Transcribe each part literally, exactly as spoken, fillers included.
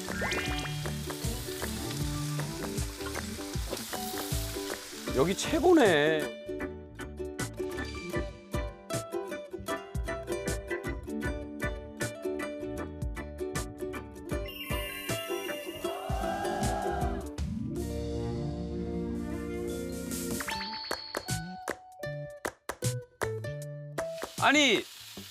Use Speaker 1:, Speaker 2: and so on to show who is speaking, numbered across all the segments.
Speaker 1: 여기 최고네. 아니,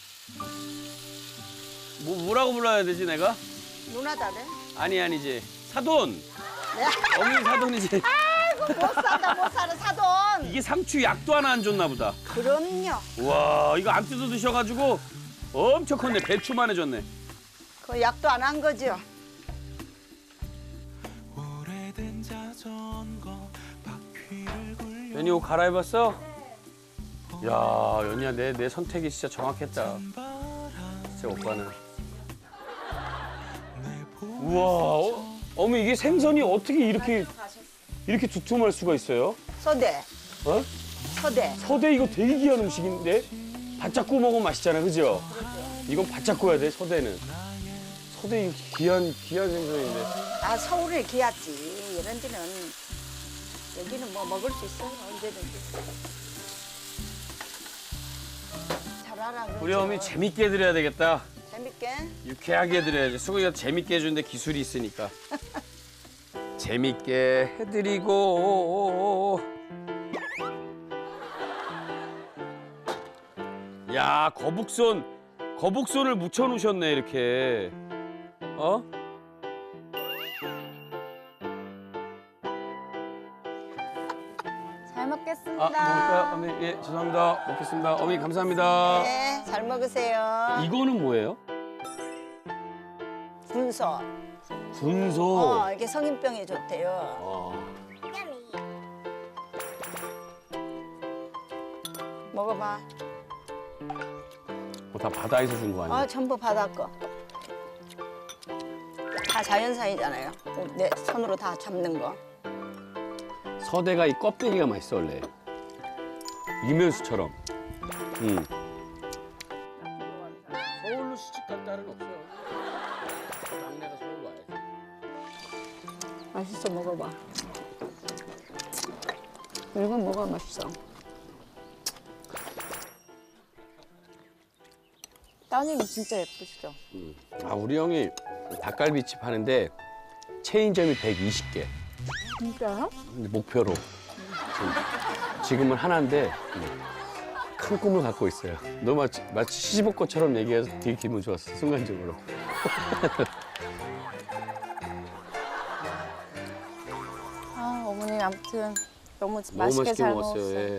Speaker 1: 뭐 뭐라고 불러야 되지 내가?
Speaker 2: 누나다네.
Speaker 1: 아니 아니지. 사돈.
Speaker 2: 네.
Speaker 1: 어머니 사돈이지.
Speaker 2: 아이고 못 산다 못 사는 사돈.
Speaker 1: 이게 상추 약도 하나 안 줬나 보다.
Speaker 2: 그럼요.
Speaker 1: 와, 이거 안 뜯어 드셔가지고 엄청 컸네. 배추만 해줬네.
Speaker 2: 그 약도 안 한 거죠.
Speaker 1: 연희 옷 갈아입었어? 야, 연희야 내 내 선택이 진짜 정확했다. 진짜 오빠는. 우와, 어, 어머 이게 생선이 어떻게 이렇게 이렇게 두툼할 수가 있어요?
Speaker 2: 서대.
Speaker 1: 어?
Speaker 2: 서대.
Speaker 1: 서대 이거 되게 귀한 음식인데 바짝 구워 먹으면 맛있잖아, 그죠? 이건 바짝 구워야 돼, 서대는. 서대 이거 귀한 귀한 생선인데.
Speaker 2: 아 서울에 귀하지. 이런 데는 여기는 뭐 먹을 수 있어 언제든지. 잘 알아. 그렇죠?
Speaker 1: 우리 어머니 재밌게 해드려야 되겠다.
Speaker 2: 재밌게.
Speaker 1: 유쾌하게 해드려야지. 수고이가 재밌게 해주는데 기술이 있으니까. 재밌게 해드리고. 야, 거북손. 거북손을 묻혀놓으셨네, 이렇게. 어?
Speaker 3: 잘 먹겠습니다.
Speaker 1: 아, 먹을까요? 어머니, 예, 죄송합니다. 먹겠습니다. 어머니, 감사합니다.
Speaker 2: 네, 잘 먹으세요.
Speaker 1: 이거는 뭐예요?
Speaker 2: 군소.
Speaker 1: 군소.
Speaker 2: 어, 이게 성인병에 좋대요.
Speaker 1: 어.
Speaker 2: 먹어봐.
Speaker 1: 어, 다 바다에서 준 거 아니야?
Speaker 2: 아, 전부 바다 거. 다 자연산이잖아요. 내 손으로 다 잡는 거.
Speaker 1: 서대가 이 껍데기가 맛있어 원래. 이면수처럼. 음. 서울로 시집 갈 딸은 없어요. 막내가 서울 와야지.
Speaker 2: 맛있어, 먹어봐. 이건 뭐가 맛있어?
Speaker 3: 따님이 진짜 예쁘시죠?
Speaker 1: 음. 아 우리 형이 닭갈비집 하는데 체인점이 백이십 개.
Speaker 3: 진짜요?
Speaker 1: 근데 목표로. 지금, 지금은 하나인데 음, 큰 꿈을 갖고 있어요. 너 마치, 마치 시집 올 것처럼 얘기해서 되게 기분 좋았어 순간적으로.
Speaker 3: 아, 어머니 아무튼 너무
Speaker 1: 너무
Speaker 3: 맛있게
Speaker 1: 맛있게
Speaker 3: 잘
Speaker 1: 먹었어요.
Speaker 3: 먹었어요.
Speaker 1: 예.